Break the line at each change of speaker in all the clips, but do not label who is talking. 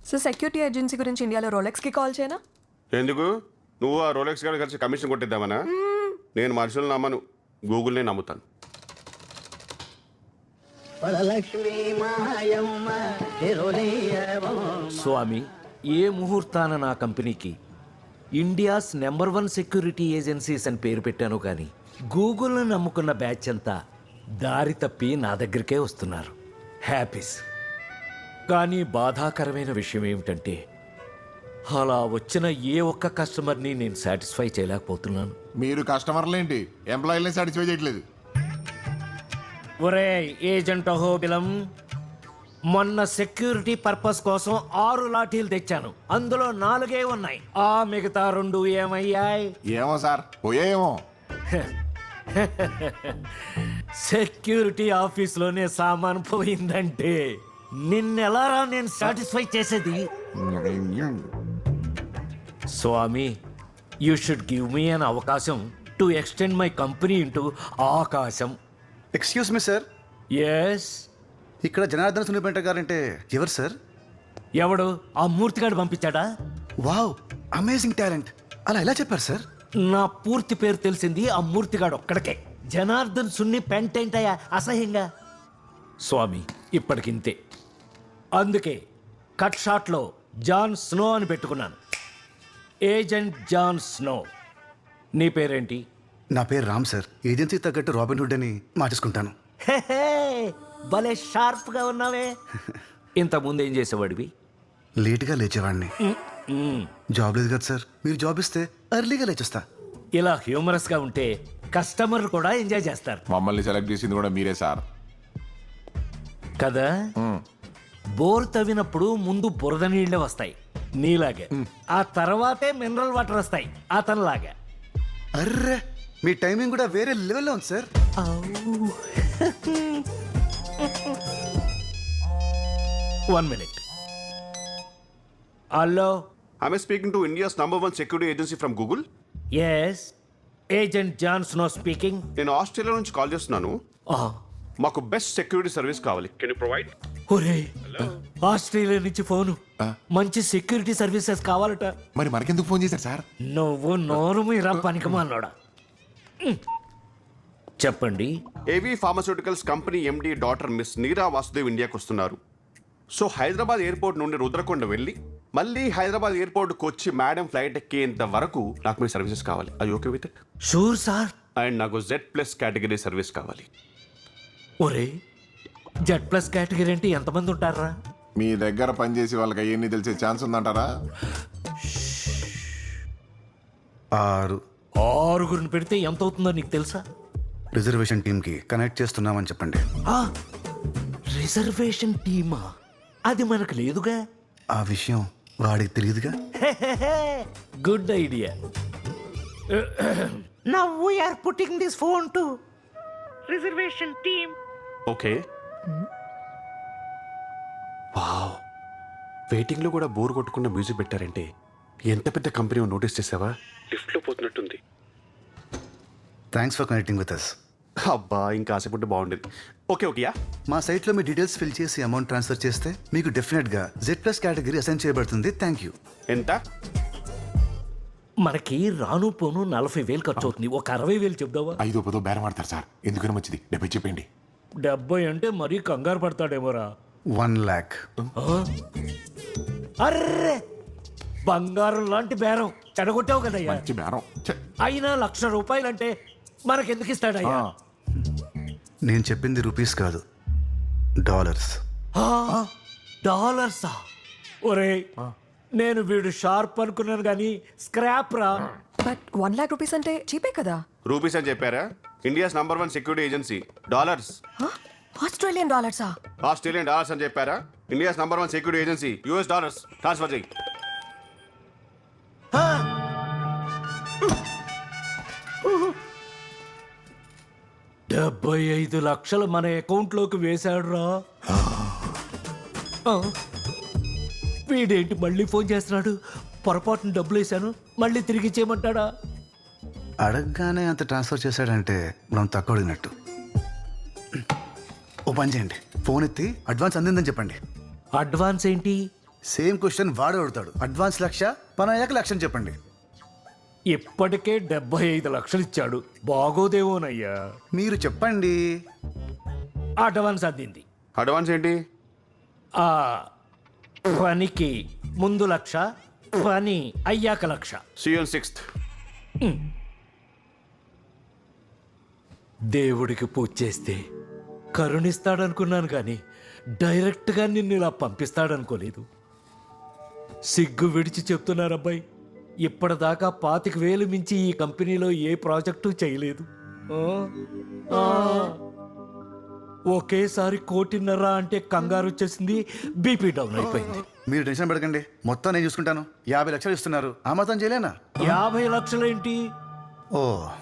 So security agency గురించి ఇండియాలో రోలెక్స్కి call చేయనా?
ఎందుకు? నువ్వు ఆ రోలెక్స్ గారు కలిసి కమిషన్ కొట్టిద్దామనా? నేను మనుషులు నమ్మను, గూగుల్నే నమ్ముతాను.
స్వామి, ఏ ముహూర్తాన నా కంపెనీకి ఇండియాస్ నంబర్ 1 సెక్యూరిటీ ఏజెన్సీస్ అని పేరు పెట్టాను, కానీ గూగుల్ని నమ్ముకున్న బ్యాచ్ అంతా దారి తప్పి నా దగ్గరికే వస్తున్నారు. హ్యాపీస్. కానీ బాధాకరమైన విషయం ఏమిటంటే అలా వచ్చిన ఏ ఒక్క కస్టమర్ని నేను సాటిస్ఫై చేయలేకపోతున్నాను.
మీరు కస్టమర్లేంటి, ఎంప్లాయీలని సాటిస్ఫై చేయట్లేదు.
ఒరే ఏజెంట్ అహోబిలం, మొన్న సెక్యూరిటీ పర్పస్ కోసం 6 లాఠీలు తెచ్చాను. అందులో 4 ఉన్నాయి. ఆ మిగతా 2 ఏమయ్యాయి?
ఏమో సార్, పోయేమో.
సెక్యూరిటీ ఆఫీస్లోనే సామాన్ పోయిందంటే నిన్నెలారా నేను సాటిస్ఫై చేసేది? స్వామి, you should give me an అవకాశం to extend my company into ఆకాశం.
Excuse me sir,
yes.
ఇక్కడ జనార్దన్ సునిపెంట గారంటే ఎవరు సార్?
ఎవడు? ఆ మూర్తిగాడు పంపించాడా?
Wow, amazing talent. అలా ఎలా చెప్పారు సార్?
నా పూర్తి పేరు తెలిసింది ఆ మూర్తిగాడు ఒక్కడికే. జనార్దన్ సున్ని పెంటేంటయ్యా అసహ్యంగా. స్వామి, ఇప్పటికింతే. అందుకే కట్ షాట్లో జాన్ స్నో అని పెట్టుకున్నాను. Agent John Snow. నీ పేరేంటి?
నా పేరు రామ్ సార్. ఏజెన్సీ తగ్గట్టు రాబిన్ హుడ్ అని మార్చేసుకుంటాను.
హెహే, భలే షార్ప్గా ఉన్నావే. ఇంతకుముందు ఏం చేసేవాడివి?
లేట్గా లేచేవాడిని. జాబ్ లేదు కదా సార్, మీరు జాబ్ ఇస్తే ఎర్లీగా లేచేస్తా.
ఇలా హ్యూమరస్గా ఉంటే కస్టమర్లు కూడా ఎంజాయ్ చేస్తారు
మమ్మల్ని సెలెక్ట్ చేసింది కూడా మీరే సార్.
కదా. బోర్ తవ్వినప్పుడు ముందు బురద నీళ్లే వస్తాయి నీలాగే, ఆ తర్వాతే మినరల్ వాటర్ వస్తాయి అతనిలాగా.
అర్రే, మీ టైమింగ్ కూడా వేరే లెవెల్లో ఉంది సార్.
1 minute. Hello.
I'm speaking to India's number 1 security agency from Google.
Yes, agent John Snow speaking.
నేను ఆస్ట్రేలియా నుంచి కాల్ చేస్తున్నాను. మాకు బెస్ట్ సెక్యూరిటీ సర్వీస్ కావాలి. Can you provide?
ఒరే, ఆస్ట్రేలియా నుంచి ఫోను. మంచి సెక్యూరిటీ సర్వీసెస్ కావాలట.
మరి మనకెందుకు ఫోన్ చేశారు సార్?
నువ్వు నోరు మీరా పనికిమాలోడా. చెప్పండి.
AV pharmaceuticals company MD doctor miss Neera Vasudev ఇండియాకి వస్తున్నారు. సో హైదరాబాద్ ఎయిర్పోర్ట్ నుండి రుద్రకొండ వెళ్ళి మళ్ళీ హైదరాబాద్ ఎయిర్పోర్ట్కి వచ్చి మేడం ఫ్లైట్ ఎక్కేంత వరకు నాకు మీ సర్వీసెస్ కావాలి. అది okay with it?
Sure sir.
And నాకు Z+ కేటగిరీ సర్వీస్ కావాలి.
ఒరే, Z+ కేటగిరీ అంటే ఎంతమంది ఉంటారా?
మీ దగ్గర పనిచేసి వాళ్ళకి అవన్నీ తెలిసే ఛాన్స్ ఉందంటారా?
6
6 పెడితే ఎంత అవుతుందో నీకు తెలుసా?
రిజర్వేషన్ టీమ్కి కనెక్ట్ చేస్తున్నామని చెప్పండి.
రిజర్వేషన్ టీమా? అది మనకు లేదుగా.
ఆ విషయం వాడికి తెలియదుగా.
Good idea. Now we are putting this phone to reservation team.
Okay. Wow, వెయిటింగ్లో కూడా బోర్ కొట్టుకున్న మ్యూజిక్ పెట్టారంటే ఎంత పెద్ద కంపెనీ నోటీస్ చేసావా? లిఫ్ట్లో పోతున్నట్టుంది.
Thanks for connecting with us.
అబ్బా, ఇంకా ఆశపడితే బాగుండేది. ఓకే ఓకేయా.
మా సైట్లో మీ డీటెయిల్స్ ఫిల్ చేసి అమౌంట్ ట్రాన్స్ఫర్ చేస్తే మీకు డెఫినెట్గా Z+ కేటగిరీ అసైన్ చేయబడుతుంది. Thank you.
ఎంత?
మనకి రాను పోను 40,000 ఖర్చు అవుతుంది. ఒక 60,000 చెప్దావా?
5-10 బేరం ఆడతారు సార్. ఎందుకని మంచిది, 70 చెప్పండి.
70 అంటే మరీ కంగారు పడతాడేమోరా.
1 lakh.
అర్రే, బంగారం లాంటి బేరం చెడగొట్టావు కదయ్యా.
మంచి బేరం. ఛే.
అయినా ₹1,00,000 అంటే మనకెందుకు ఇస్తాడయ్యా?
నేను చెప్పింది రూపీస్ కాదు, డాలర్స్.
డాలర్సా? ఒరే, నేను వీడు షార్ప్ అనుకున్నాను కానీ స్క్రాప్ రా.
బట్ 1 lakh rupees అంటే చీపే కదా.
రూపీస్ అని చెప్పారా? India's number 1 security agency. Dollars.
Australian డాలర్సా?
ఆస్ట్రేలియన్ డాలర్స్ అని చెప్పారా? India's number 1 security agency US dollars. Transfer చేయి.
$75 మన అకౌంట్లోకి వేశాడు రా. వీడేంటి మళ్ళీ ఫోన్ చేస్తున్నాడు? పొరపాటున డబ్బులు వేశాను, మళ్ళీ తిరిగి ఇచ్చేయమంటాడా?
అడగగానే అంత ట్రాన్స్ఫర్ చేశాడంటే మనం తక్కువ అడిగినట్టు. ఓ పని చేయండి, ఫోన్ ఎత్తి అడ్వాన్స్ అందిందని చెప్పండి.
అడ్వాన్స్ ఏంటి?
సేమ్ క్వశ్చన్ వాడు అడుగుతాడు. అడ్వాన్స్ 1,00,000, పని అయ్యాక 1,00,000 చెప్పండి.
ఇప్పటికే 75 లక్షలు ఇచ్చాడు, బాగోదేమోనయ్యా.
మీరు చెప్పండి.
అడ్వాన్స్ అందింది.
అడ్వాన్స్ ఏంటి?
ఆ పనికి ముందు 1,00,000, పని అయ్యాక 1,00,000.
CN 6th.
దేవుడికి పూజ చేస్తే కరుణిస్తాడనుకున్నాను కానీ డైరెక్ట్గా నిన్ను ఇలా పంపిస్తాడనుకోలేదు. సిగ్గు విడిచి చెప్తున్నారబ్బాయి, ఇప్పటిదాకా 25,000 మించి ఈ కంపెనీలో ఏ ప్రాజెక్టు చేయలేదు. ఒకేసారి 1,50,00,000 అంటే కంగారు వచ్చేసింది, బీపీ డౌన్ అయిపోయింది.
మీరు టెన్షన్ పడకండి, మొత్తం నేను చూసుకుంటాను. 50 లక్షలు ఇస్తున్నారు, ఆ మాత్రం చేయలేనా?
50 లక్షలేంటి,
ఓ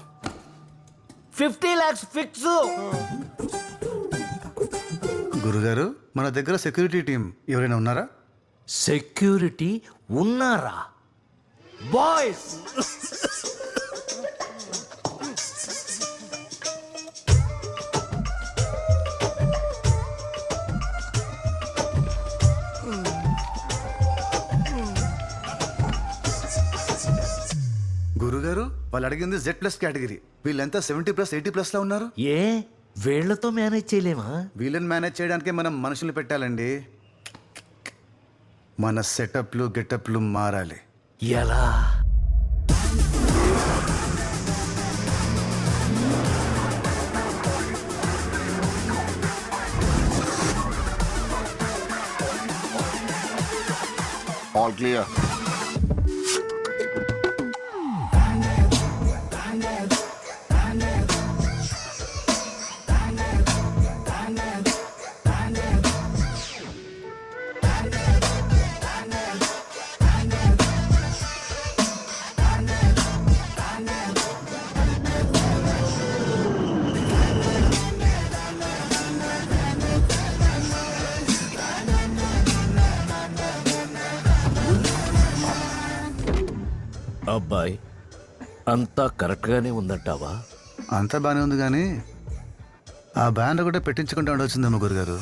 50 lakhs ఫిక్స్.
గురుగారు, మన దగ్గర సెక్యూరిటీ టీం ఎవరైనా ఉన్నారా?
సెక్యూరిటీ ఉన్నారా? బాయ్స్,
గురుగారు, వాళ్ళు అడిగింది Z+ కేటగిరీ. వీళ్ళంతా 70+, 80+ లా ఉన్నారు.
ఏ వీళ్లతో మేనేజ్ చేయలేమా?
వీళ్ళని మేనేజ్ చేయడానికే మనం మనుషుల్ని పెట్టాలండి. మన సెటప్లు గెటప్లు మారాలి.
ఎలా?
All clear.
అబ్బాయి, అంతా కరెక్ట్గానే ఉందంటావా?
అంతా బాగానే ఉంది కానీ ఆ బ్యానర్ కూడా పెట్టించుకుంటూ ఉండొచ్చిందమ్మ గురుగారు.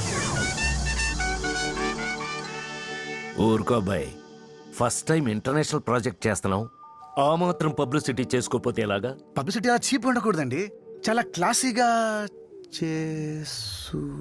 ఊరుకో అబ్బాయి, ఫస్ట్ టైం ఇంటర్నేషనల్ ప్రాజెక్ట్ చేస్తున్నావు, ఆ మాత్రం పబ్లిసిటీ చేసుకోపోతే ఎలాగా?
పబ్లిసిటీ అలా చీప్ ఉండకూడదండి, చాలా క్లాసీగా చేసు.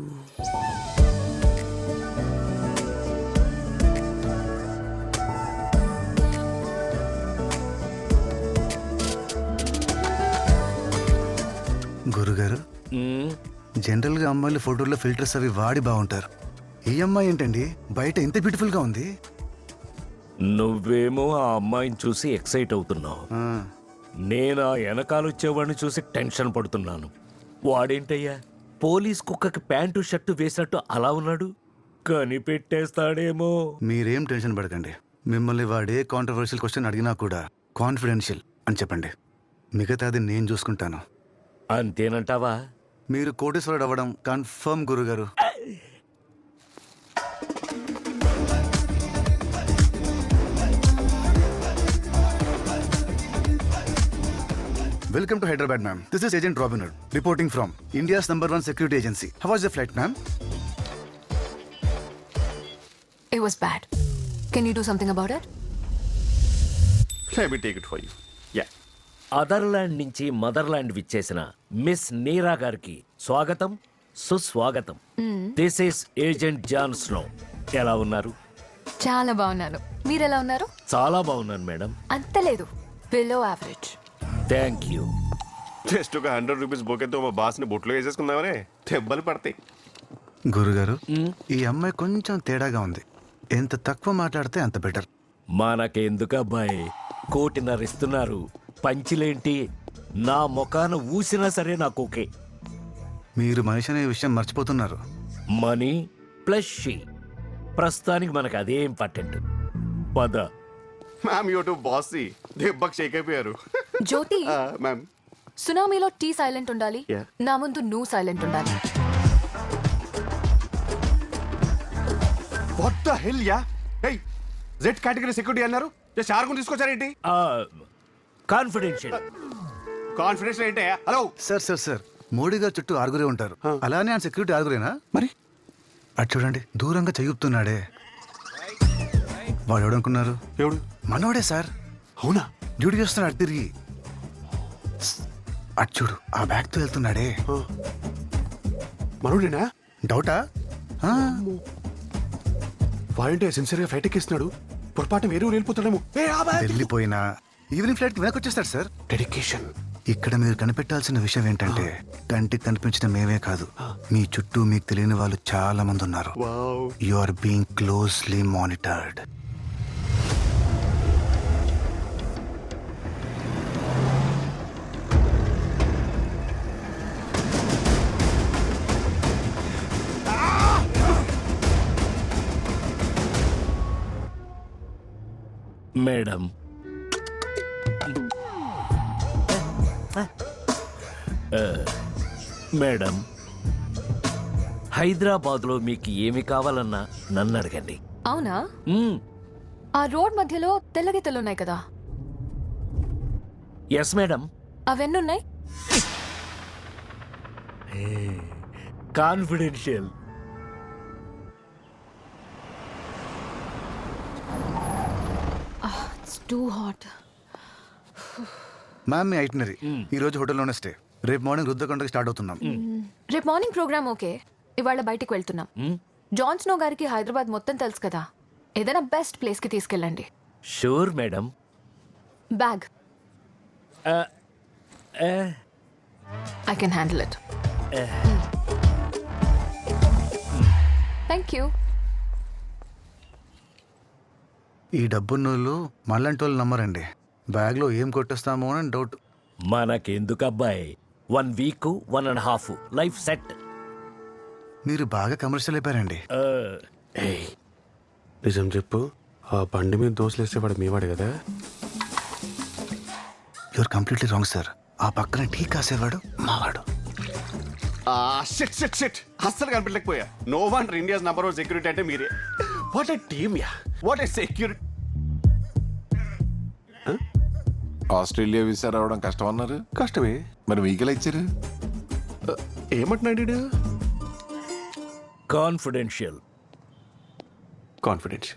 గురుగారు, జనరల్గా అమ్మాయిలు ఫోటోల్లో ఫిల్టర్స్ అవి వాడి బాగుంటారు. ఈ అమ్మాయి ఏంటండి బయట ఇంత బ్యూటిఫుల్ గా ఉంది?
నువ్వేమో ఆ అమ్మాయిని చూసి ఎక్సైట్ అవుతున్నావు,
ఆ,
నేను ఆ వెనకాల వచ్చేవాడిని చూసి టెన్షన్ పడుతున్నాను. వాడేంటయ్యా పోలీస్ కుక్కకి ప్యాంటు షర్టు వేసినట్టు అలా ఉన్నాడు, కనిపెట్టేస్తాడేమో.
మీరేం టెన్షన్ పడకండి. మిమ్మల్ని వాడే కాంట్రవర్షియల్ క్వశ్చన్ అడిగినా కూడా కాన్ఫిడెన్షియల్ అని చెప్పండి, మిగతాది నేను చూసుకుంటాను.
అంతేనంటావా?
మీరు కోటేశ్వరుడు అవ్వడం కన్ఫర్మ్ గురుగారు. Welcome to Hyderabad, ma'am. This is Agent Robin Hood, reporting from India's #1 security agency. How was the flight, ma'am?
It was bad. Can you do something about it?
Let me take it for you. Yeah.
Otherland నుంచి motherland విచ్చేసిన miss Neera గారికి స్వాగతం, సుస్వాగతం. This is agent John Snow. ఎలా ఉన్నారు?
చాలా బాగున్నాను. మీరు ఎలా ఉన్నారు?
చాలా బాగున్నాను మేడం.
అంత లేదు, below average.
Thank you.
Just ఒక 100 రూపీస్ బొకేతో మా బాస్ని బొట్లో వేసేసుకుందామనే, దెబ్బలు పడతాయి.
గురుగారు, ఈ అమ్మాయి కొంచెం తేడాగా ఉంది. ఎంత తక్కువ మాట్లాడితే అంత బెటర్.
మనకెందుకు అబ్బాయి, 1,50,00,000 ఇస్తున్నారు, పంచిలేంటి? నా ముఖాన ఊసినా సరే నాకు ఓకే.
మీరు మనిషి అనే విషయం మర్చిపోతున్నారు.
మనీ ప్లస్ షీ, ప్రస్తుతానికి మనకు అదే ఇంపార్టెంట్. పద.
మ్యామ్ యూ టు బాసీ, దెబ్బకి షేక్ అయిపోయారు.
జ్యోతి,
మ్యామ్
సునామీలో టీ సైలెంట్ ఉండాలి,
Yeah.
నా ముందు నువ్వు సైలెంట్ ఉండాలి.
What the hell yeah? Hey, Z category security అన్నారు, జస్ట్ ఆరుగురు తీసుకొచ్చారేంటి?
కాన్ఫిడెన్షియల్.
కాన్ఫిడెన్స్ ఏంటయ్యా? హలో
సార్ మోడీ గారు చుట్టూ ఆరుగురే ఉంటారు, అలానే ఆయన సెక్యూరిటీ ఆరుగురేనా?
మరి
అటు చూడండి, దూరంగా చెయ్యుతున్నాడే. వాడు ఎవడనుకున్నారు?
ఎవడు?
మనోడే సార్.
అవునా?
డ్యూటీ చేస్తున్నాడు తిరిగి. అటు చూడు, ఆ బ్యాగ్తో వెళ్తున్నాడే.
మనోడేనా?
డౌటా? ఆ,
వాడంటే సిన్సియర్గా ఫ్లైట్ ఎక్కిస్తున్నాడు. పొరపాటు వేరే ఊరు వెళ్ళిపోతాడేమో.
వెళ్ళిపోయినా ఈవినింగ్ ఫ్లైట్కి వెనక్కి వచ్చేస్తాడు సార్.
డెడికేషన్.
ఇక్కడ మీరు కనిపెట్టాల్సిన విషయం ఏంటంటే కంటికి కనిపించిన మేమే కాదు, మీ చుట్టూ మీకు తెలియని వాళ్ళు చాలా మంది ఉన్నారు.
Wow.
You are being closely monitored.
Madam, madam, హైదరాబాద్లో మీకు ఏమి కావాలన్నా నన్ను అడగండి.
అవునా?
మ్మ్.
ఆ రోడ్ మధ్యలో తెల్ల గీతలు ఉన్నాయి కదా,
ఎస్ మేడం.
అవెన్నున్నాయి?
Confidential.
It's too hot.
Ma'am మీ ఐటినరీ ఈ రోజు హోటల్లోనే స్టే. రేపు మార్నింగ్ రుద్రకొండకి స్టార్ట్ అవుతున్నాం.
రేపు మార్నింగ్ ప్రోగ్రామ్ ఓకే, ఇవాళ బయటికి వెళ్తున్నాం. జాన్ స్నో గారికి హైదరాబాద్ మొత్తం తెలుసు కదా, ఏదైనా బెస్ట్ ప్లేస్ కి తీసుకెళ్ళండి.
Sure madam.
Bag I can handle it. Thank you.
ఈ డబ్బున్నోళ్ళు మనలాంటి వాళ్ళు నమ్మరండి. బ్యాగ్లో ఏం కొట్టేస్తామో అని డౌట్.
మనకెందుకు అబ్బాయి, 1 వీక్ 1.5 లైఫ్ సెట్.
మీరు బాగా కమర్షియల్ అయిపోయారండి.
నిజం చెప్పు, ఆ బండి మీద దోశలు వేసేవాడు మీవాడు కదా?
You're completely wrong sir. ఆ పక్కన టీ కాసేవాడు మావాడు.
షిట్ షిట్ షిట్, అస్సలు కనిపించలేకపోయా. No one India's number 1 security అంటే మీరే. What a team yeah, what a security.
Australia visa రావడం కష్టం అన్నారు.
కష్టమే
మరి మీకెలా ఇచ్చారు?
ఏమంటున్నాడు?
కాన్ఫిడెన్షియల్.
కాన్ఫిడెన్స్.